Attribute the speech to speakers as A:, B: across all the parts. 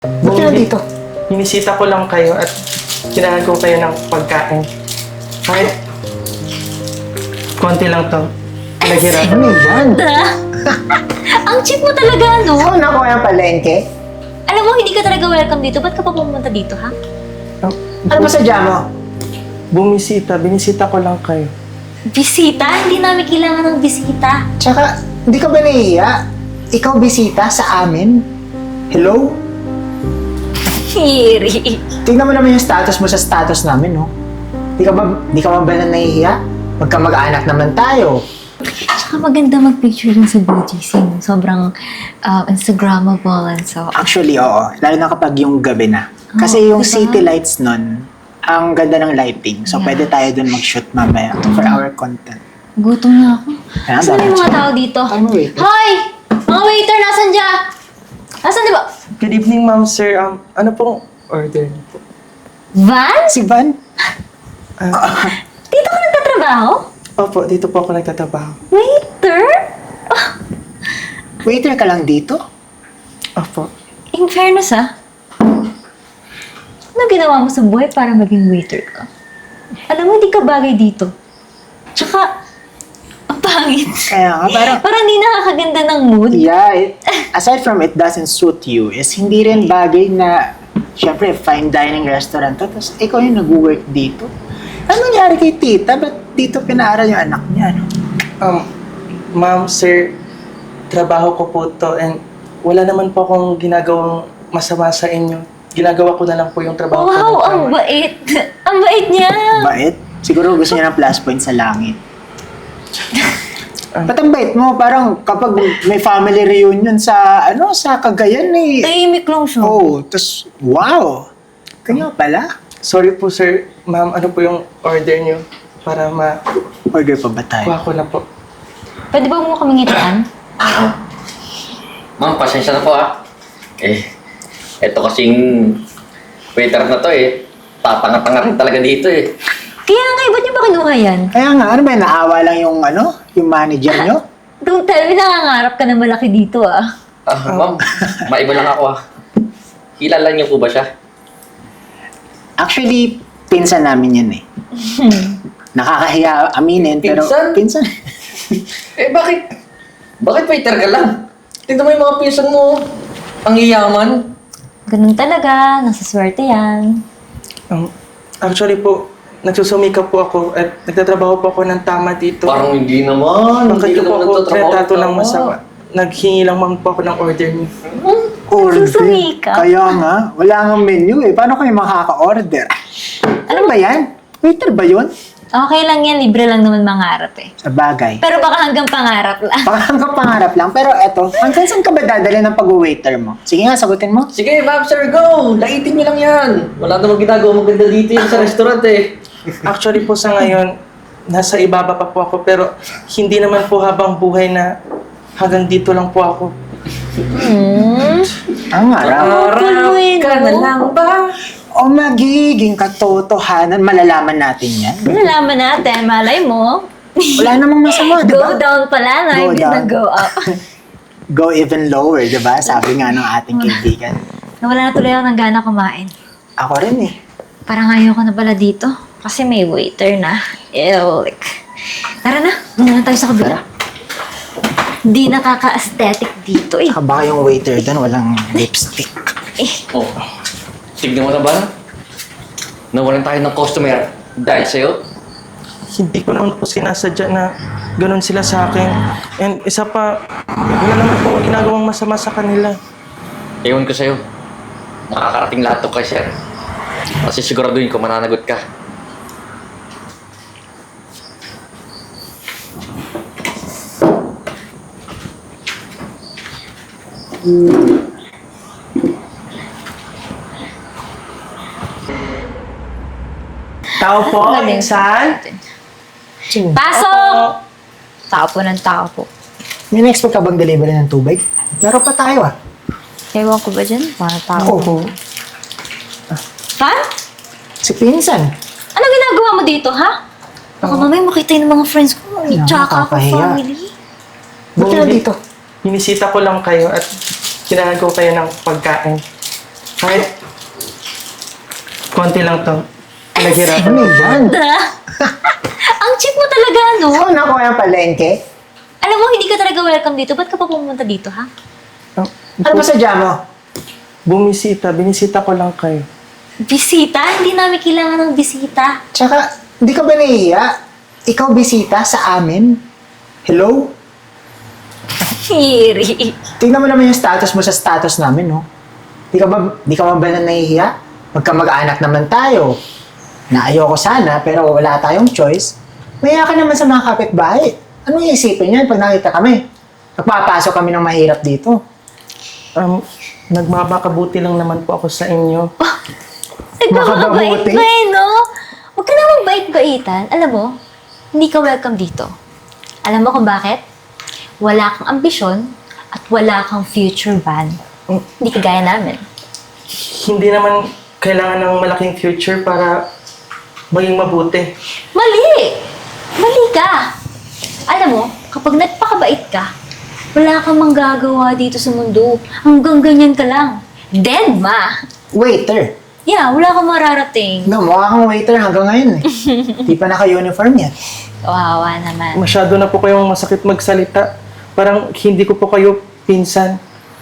A: Ba't ka nandito?
B: Binisita ko lang kayo at kailangan ko kayo ng pagkain. Kahit konti lang to. Naghirapan.
A: Ano yan?
C: Ang cheap mo talaga, no?
A: Saan ako yung palengke?
C: Alam mo, hindi ka talaga welcome dito. Ba't ka pa pumunta dito, ha?
A: Ano ba sadya mo?
B: Binisita ko lang kayo.
C: Bisita? Hindi namin kailangan ng bisita.
A: Tsaka, hindi ka ba nahihiya? Ikaw bisita sa amin? Hello?
C: Hiri.
A: Tingnan mo naman yung status mo sa status namin, no? Di ka ba na nahihiya? Magkamag-anak naman tayo.
C: Tsaka maganda mag-picture dun sa BGC. No? Sobrang Instagrammable and so.
A: Actually, oo. Lalo na kapag yung gabi na. Kasi
C: Oo,
A: yung
C: diba?
A: city lights nun, ang ganda ng lighting. So,
C: Yeah.
A: pwede tayo dun mag-shoot mamaya for our content.
C: Gutom na ako.
A: Kaya,
C: Saan
A: bakit
C: yung mga
A: siya?
C: tao dito?
A: Ano, wait?
C: Hoy! Mga waiter, nasan dyan? Nasan di ba?
B: Good evening, ma'am, sir. Ano pong order niyo po?
C: Van?
A: Si Van?
C: Dito ka nagtatrabaho?
B: Opo, dito po ako nagtatrabaho.
C: Waiter?
A: Waiter ka lang dito?
B: Opo.
C: In fairness, ano ginawa mo sa buhay para maging waiter ka? Alam mo, hindi ka bagay dito. Tsaka, ang pangit.
A: Kaya nga, parang...
C: Parang hindi nakakaganda ng mood.
A: Yeah, aside from it doesn't suit you, is hindi rin bagay na, syempre, fine dining restaurant to, tapos ikaw yung nag-work dito. Ano nangyari kay tita? Ba't dito pinaaral yung anak niya? No?
B: Ma'am, sir, trabaho ko po to and wala naman po akong ginagawang masama sa inyo. Ginagawa ko na lang po yung trabaho ko.
C: Wow,
B: ng
C: ang
B: tama.
C: bait. Ang bait niya.
A: Bait? Siguro gusto niya ng plus point sa langit. Ba't ang bait mo? Parang kapag may family reunion sa, sa Cagayan eh.
C: Tahimik lang siya.
A: Oh, tapos, wow! Kanya pala.
B: Sorry po, sir. Ma'am, ano po yung order niyo? Para makuha
A: Order pa ba tayo?
B: ko na po.
C: Pwede ba mo kaming itaan?
D: Ma'am, pasensya na po eto kasing waiter na to tatanga-tanga rin talaga dito
C: Kaya nga, ba't niyo ba kinuha yan?
A: Kaya nga, ano ba, naawa lang yung, yung manager nyo?
C: Don't tell me nangangarap ka na malaki dito,
D: Ma'am, maiba lang ako Kilala niyo po ba siya?
A: Actually, pinsan namin yan eh. Nakakahiya aminin, pero
D: Pinsan?
A: pinsan.
D: Bakit? Bakit waiter ka lang? Tignan mo yung mga pinsan mo. Ang iyaman.
C: Ganun talaga, nasaswerte yan.
B: Actually po, nagsusumikap po ako at nagtatrabaho po ako ng tama dito.
D: Parang hindi naman.
B: Bakit
D: Hindi
B: niyo
D: ka
B: po
D: naman
B: ako
D: nagtatrabaho
B: tratato ng
D: tama.
B: masama? Naghingi lang man po ako ng order niyo.
A: Order.
C: Nagsusumikap.
A: Kaya nga, wala nga menu eh. Paano kayo makaka-order? Ano ba yan? Waiter ba yun?
C: Okay lang yan, libre lang naman mangarap
A: Sa bagay.
C: Pero baka hanggang pangarap lang.
A: Baka hanggang pangarap lang. Pero eto, hanggang saan ka ba dadali ng pag-waiter mo? Sige nga, sagutin mo.
D: Sige, ma'am, sir, go! Laitin niyo lang yan. Wala namang ginagawa maganda dito yan sa restaurant
B: Actually po sa ngayon, nasa ibaba pa po ako pero hindi naman po habang buhay na hanggang dito lang po ako.
A: Ang harap.
D: Harap ka na lang ba?
A: O magiging katotohanan, malalaman natin yan.
C: Nalaman natin, malay mo.
A: Wala namang masama, di
C: Go
A: ba?
C: down pala, no?
A: Go
C: Imbis na
A: down.
C: go up.
A: Go even lower, di ba? Sabi nga ng ating kaibigan.
C: Nawala na tuloy ako ng gana kumain.
A: Ako rin eh.
C: Parang ayaw ko na pala dito. Kasi may waiter na. Ew, tara na, muna na tayo sa kabila. Di nakaka-aesthetic dito eh.
A: Saka baka yung waiter doon walang lipstick.
D: Oh, tignan mo na ba? Nawalan tayo ng customer dahil sa'yo.
B: Hindi ko naman po sinasadya na ganun sila sa akin. And isa pa, wala naman po akong ginagawang masama sa kanila.
D: Ewan ko sa'yo. Nakakarating lahat to kay sir. Kasi siguraduhin ko mananagot ka.
B: Tao po,
C: Galing.
B: insan.
C: Pasok! Tao po ng tao po.
A: May na-expect ka bang delivery ng tubig? Meron pa tayo ah.
C: Ewan ko ba dyan? Mga tao.
A: Oo.
C: Ha?
A: Si pinsan.
C: Ano ginagawa mo dito, ha? Baka mamaya makita yun ng mga friends ko. May
A: Kaya
C: tsaka ako
A: nakakahiya.
C: family.
A: Ba't ka nandito?
B: Binisita ko lang kayo at kailangan ko kayo ng pagkain. Kahit konti lang to. Naghirapan.
A: Ano yan?
C: Ang cheap mo talaga, no?
A: Ikaw na ko yung palengke?
C: Alam mo, hindi ka talaga welcome dito. Ba't ka pa pumunta dito, ha?
A: Ano ba sadya mo?
B: Binisita ko lang kayo.
C: Bisita? Hindi namin kailangan ng bisita.
A: Tsaka, hindi ka ba nahihiya? Ikaw bisita sa amin? Hello?
C: Hiri.
A: Tingnan mo naman yung status mo sa status namin, no? Di ka ba na nahihiya? Magkamag-anak naman tayo. Na ayoko sana, pero wala tayong choice. Maya ka naman sa mga kapitbahay. Anong iisipin yan pag nakita kami? Nagpapasok kami ng mahirap dito.
B: Nagmamakabuti lang naman po ako sa inyo.
C: Nagmamabait
A: Makababuti?
C: ba eh, no? Huwag ka na magbait-baitan. Alam mo, hindi ka welcome dito. Alam mo kung bakit? Wala kang ambisyon at wala kang future ban. Hindi ka gaya namin.
B: Hindi naman kailangan ng malaking future para maging mabuti.
C: Mali! Mali ka! Alam mo, kapag nagpakabait ka, wala kang manggagawa dito sa mundo. Hanggang ganyan ka lang. Dead ma!
A: Waiter.
C: Yeah, wala kang mararating.
A: No, mukha kang waiter hanggang ngayon eh. Di pa naka-uniform yan.
C: Kawawa naman.
B: Masyado na po kayong masakit magsalita. Parang hindi ko po kayo pinsan.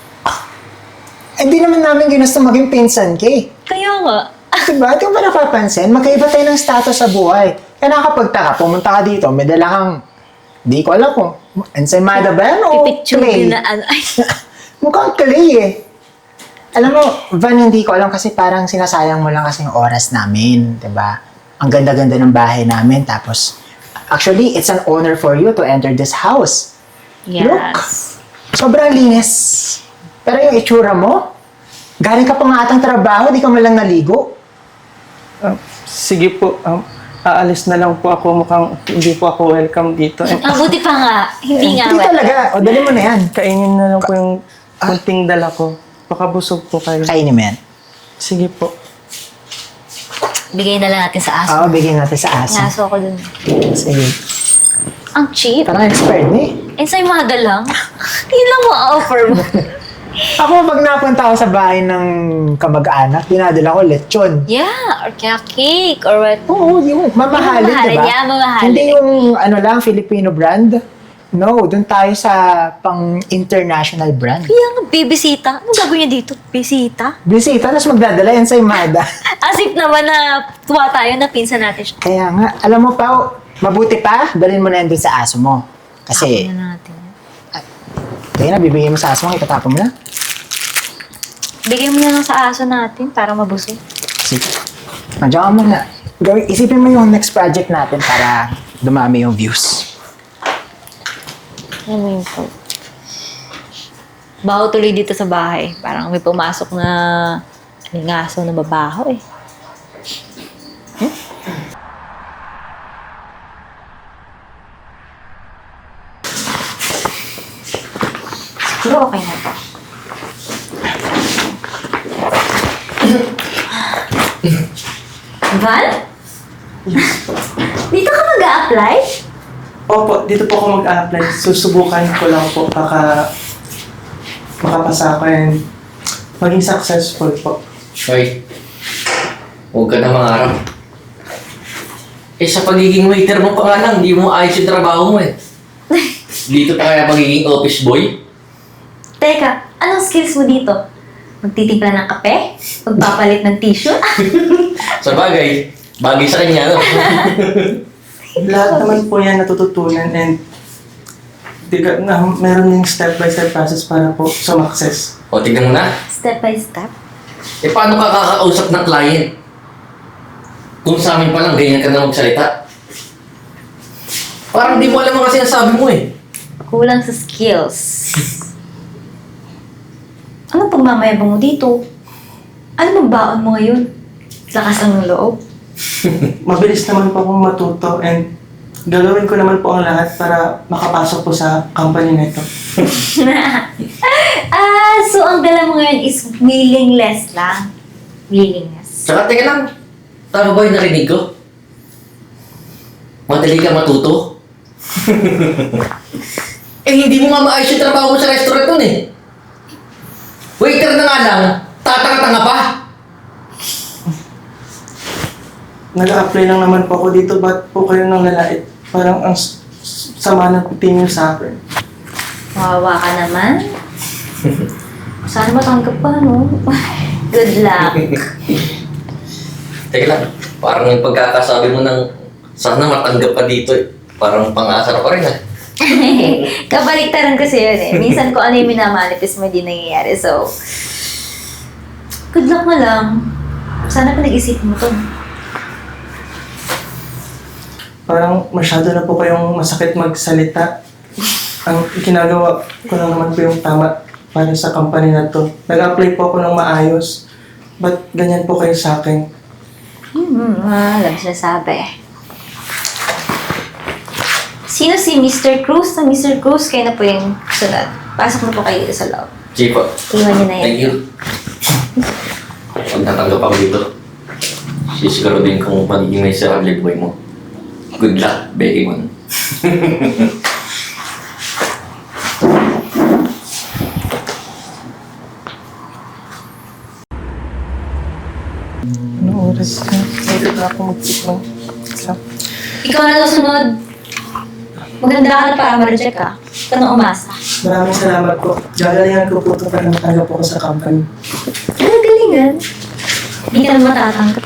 A: Eh, di naman namin ginusto maging pinsan ka eh.
C: Kaya nga.
A: Diba? Di mo ba napapansin? Magkaiba tayo ng status sa buhay. Kaya nakapagtaka, pumunta ka dito, may dala kang, di ko alam kung, ensaymada ba yan o
C: Pipicture
A: clay?
C: na ano. Ay,
A: Mukhang clay eh. Alam mo, Van, hindi ko alam kasi parang sinasayang mo lang kasi yung oras namin, diba? Ang ganda-ganda ng bahay namin, tapos, actually, it's an honor for you to enter this house. Look,
C: yes.
A: sobrang linis. Pero yung itsura mo, galing ka pa nga atang trabaho, di ka man lang naligo.
B: Sige po, aalis na lang po ako. Mukhang hindi po ako welcome dito.
C: Ang buti pa nga. Hindi nga
A: Hindi
C: welcome.
A: talaga. O, dali mo na yan.
B: Kainin na lang po yung kunting dala ko. Baka busog po kayo.
A: Kainin mo yan.
B: Sige po.
C: Bigay na lang natin sa aso.
A: Oo, bigyan natin sa aso.
C: Aso ako dun.
A: Sige.
C: Ang cheap.
A: Parang expert na eh.
C: Ensaymada lang. Yun lang ma-offer mo.
A: Ako, pag napunta ako sa bahay ng kamag-anak, dinadala ko lechon.
C: Yeah, or kaya cake, or what.
A: Oo, yung mamahalin,
C: Mamahalin,
A: diba?
C: yeah, mamahalin.
A: Hindi yung, ano lang, Filipino brand. No, dun tayo sa pang-international brand.
C: Kaya nga, bibisita. Ano gagawin niya dito? Bisita?
A: Bisita, tapos magdadala yan sa imada.
C: As if naman na tuwa tayo na pinsan natin siya.
A: Kaya nga, alam mo pa, mabuti pa, dalhin mo na yan dun sa aso mo. Kasi,
C: Ano natin?
A: kaya na, bibigyan mo sa aso mo, itatapon mo na.
C: Bigyan mo na lang sa aso natin para mabusog.
A: Sige. Nandiyan ka muna. Isipin mo yung next project natin para dumami yung views.
C: Ano yun po? Baho tuloy dito sa bahay. Parang may pumasok na lingaso na babaho eh. Siguro okay na to. Val? Dito ka mag-a-apply?
B: Opo, dito po ako mag-apply. Susubukan ko lang po baka makapasa ako and maging successful po.
D: Hoy, huwag ka na mangarap. Eh, sa pagiging waiter mo pa nga lang, hindi mo ayos yung trabaho mo eh. Dito pa kaya magiging office boy?
C: Teka, anong skills mo dito? Magtitimpla ng kape? Magpapalit ng tissue?
D: Sa bagay, bagay sa kanya, no?
B: Lahat naman po yan natututunan and meron yung step-by-step process para po sumakses.
D: O, tignan mo na.
C: Step by step?
D: Eh, paano ka kakausap ng client? Kung sa amin pa lang, ganyan ka na magsalita. Parang di mo alam ang kasi nasabi mo eh.
C: Kulang sa skills. Ano pagmamayabang mo dito? Ano bang baon mo ngayon? Lakas ng loob?
B: Mabilis naman po akong matuto and gagawin ko naman po ang lahat para makapasok po sa company na ito.
C: So ang dala mo ngayon is willingness lang. Willingness.
D: Saka teka lang, tama ba yung narinig ko? Madali ka matuto? Eh, hindi mo nga maayos yung trabaho mo sa restaurant nun eh. Waiter na nga lang, Tatanga-tanga pa!
B: Nag-apply lang naman po ako dito. Ba't po kayo nang lalait? Parang ang sama ng tingin niyo sa akin.
C: Wawa ka naman. Sana matanggap pa, no? Good luck.
D: Teka lang, parang yung pagkakasabi mo ng sana matanggap ka dito eh. Parang pang-asar pa rin ah.
C: Kabaliktaran kasi yun eh. Minsan ko ano yung minamanifest mo, hindi nangyayari. So, good luck mo lang. Sana pinag-isip mo to.
B: Parang masyado na po kayong masakit magsalita. Ang ginagawa ko lang naman po yung tama para sa company na to. Nag-apply po ako ng maayos. Ba't ganyan po kayo sa akin?
C: Alam siya sabi. Sino si Mr. Cruz? Na Mr. Cruz, kayo na po yung sunod. Pasok na po kayo sa loob.
D: Sige po.
C: Iwan niyo na yan.
D: Thank you. Pag natanggap ako dito, sisiguraduhin kung magiging may sarili buhay mo. Good luck, Becky Mon.
B: Anong oras na? Pwede na ako mag-check ng exam.
C: Ikaw na daw sunod. Maganda ka na para ma-reject ka. Ikaw na umasa.
B: Maraming salamat po. Gagalingan ko po ito para matanggap ako sa company.
C: Ano galingan? Hindi ka na matatanggap.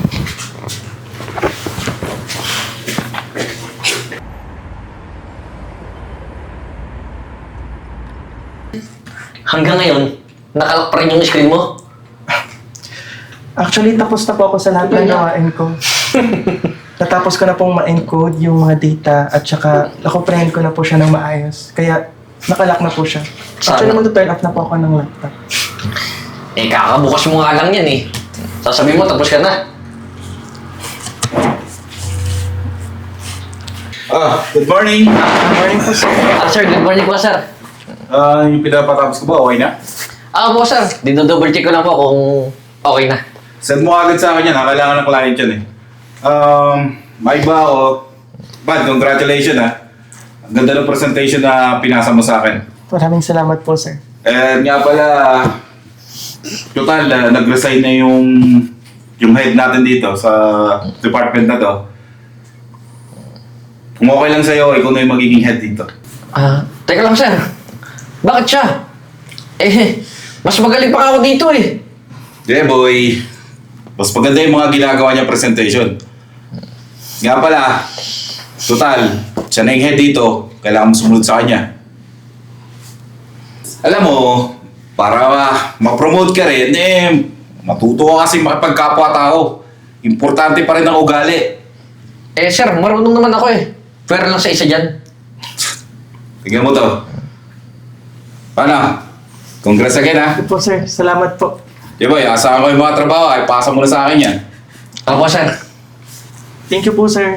D: Hanggang ngayon, nakalak pa rin yung screen mo.
B: Actually, tapos na po ako sa lahat ng gawain ko. Natapos ko na pong ma-encode yung mga data at saka nakomprehend ko na po siya ng maayos. Kaya nakalock na po siya. Actually,
D: Sana.
B: mag-turn off na po ako ng laptop.
D: Eh, kakabukas mo nga lang yan eh. Sasabihin mo, tapos ka na.
E: Good morning.
B: Good morning po, sir.
D: Sir, good morning po, sir.
E: Yung pinapatapos ko ba, okay na?
D: Po, sir. Dino-double check ko lang po kung okay na.
E: Send mo agad sa akin yan, kailangan ng client yan eh. May ba o? Bad, congratulations ha. Ang ganda ng presentation na pinasa mo sa akin.
B: Maraming salamat po, sir.
E: And nga pala, total, nag-resign na yung head natin dito sa department na to. Kung okay lang sa'yo, ikaw na yung magiging head dito.
D: Teka lang, sir. Bakit siya? Eh, mas magaling pa ako dito eh.
E: Yeah, boy. Mas maganda yung mga ginagawa niya presentation. Nga pala, total, siya na yung head dito, kailangan mo sumunod sa kanya. Alam mo, para ma-promote ka rin, matuto ka kasi makipagkapwa-tao. Importante pa rin ang ugali.
D: Eh, sir, marunong naman ako eh. Pero lang sa isa dyan.
E: Tingnan mo to. Paano? Congrats again ha.
B: Good po, sir. Salamat po.
E: Di ba, asahan ko yung mga trabaho, ay pasa mo na sa akin yan.
D: Ako, sir.
B: Thank you po, sir.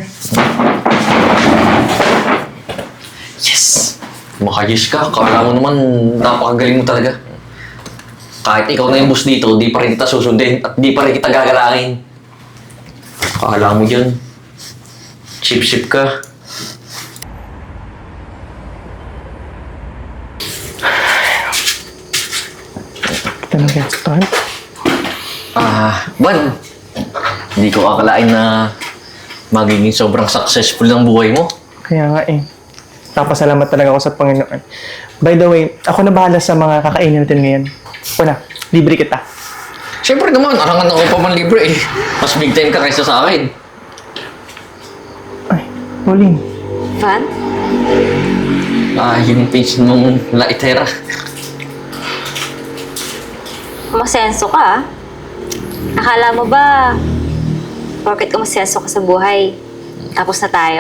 D: Yes! Makayos ka. Kala mo naman, napakagaling mo talaga. Kahit ikaw na yung boss dito, di pa rin kita susundin at di pa rin kita gagalangin. Kala mo yan. Chip-chip ka.
B: Ito na get start.
D: Juan, hindi ko akalain na magiging sobrang successful ng buhay mo.
B: Kaya nga eh. Napasalamat talaga ako sa Panginoon. By the way, ako na bahala sa mga kakainin natin ngayon. Una, libre kita.
D: Siyempre naman, arangan ako pa man libre eh. Mas big time ka kaysa sa akin.
B: Ay, Pauline.
C: Van?
D: Yung page mong laitera.
C: Masenso ka ah. Akala mo ba, porket ka masenso ka sa buhay, tapos na tayo?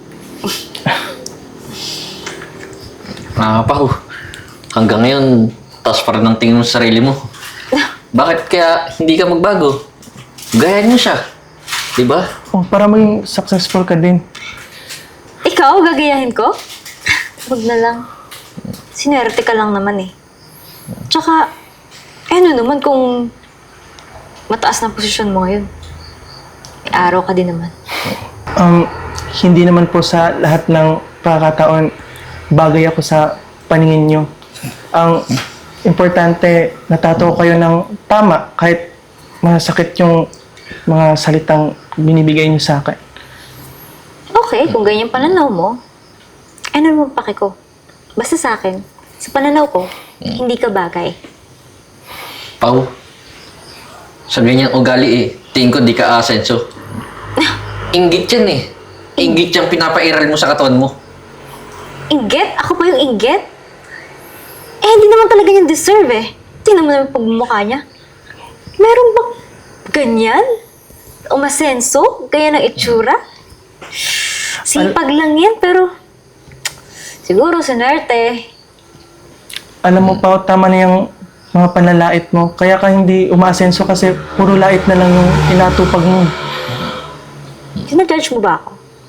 D: Pao. Hanggang ngayon, taas pa rin ang tingin mo sa sarili mo. Bakit kaya hindi ka magbago? Gayahin mo siya. Diba?
B: Oh, para maging successful ka din.
C: Ikaw, gagayahin ko? Huwag na lang. Sinerte ka lang naman eh. Tsaka, ano naman kung mataas na posisyon mo ngayon? May araw ka din naman.
B: Hindi naman po sa lahat ng pagkakataon bagay ako sa paningin nyo. Ang importante natatawa kayo ng tama kahit masakit yung mga salitang binibigay niyo sa akin.
C: Okay, kung ganyan pananaw mo, ano naman pake ko? Basta sa akin, sa pananaw ko, hindi ka bagay.
D: Pao, sa ganyang ugali eh, tingin ko di ka asenso. Inggit yan eh. Inggit yung pinapairal mo sa katawan mo.
C: Inggit? Ako pa yung inggit? Eh, hindi naman talaga yung deserve eh. Tingnan mo naman yung pagmumukha niya. Meron bang ganyan? Umasenso? Ganyan ang itsura? Sipag lang yan, pero siguro sinerte.
B: Alam mo pa, tama na yung mga panlalait mo. Kaya ka hindi umaasenso kasi puro lait na lang yung inatupag mo.
C: Sinajudge mo ba ako?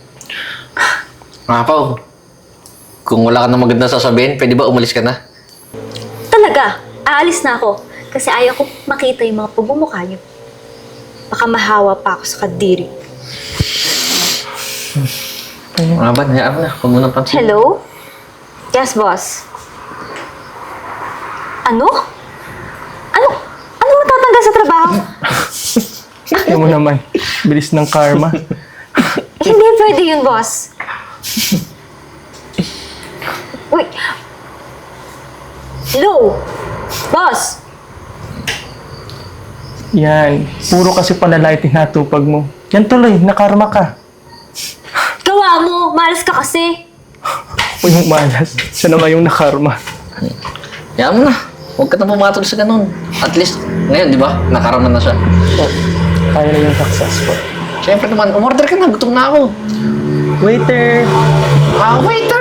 D: Mga Pao, kung wala ka na maganda sasabihin, pwede ba umalis ka na?
C: Talaga, aalis na ako. Kasi ayaw ko makita yung mga pagmumukha niyo. Baka mahawa pa ako sa kadiri.
D: Mga ba, hayaan mo na. Huwag mo nang pansin.
C: Hello? Yes, boss. Ano? Ano matatanggal sa trabaho?
B: Alam mo naman, bilis ng karma.
C: Hindi pwede yun, boss. Wait. Hello? Boss?
B: Yan, puro kasi panlalait tinatupag mo. Yan tuloy, nakarma ka.
C: Gawa mo! Malas ka kasi!
B: O yung malas, siya na nga yung nakarma.
D: Hayaan mo na. Huwag ka na pumatol sa ganun. At least, ngayon, di ba? Nakarama na siya.
B: O, kaya na yung successful.
D: Siyempre naman, umorder ka na. Gutom na ako.
B: Waiter!
D: Ah, waiter!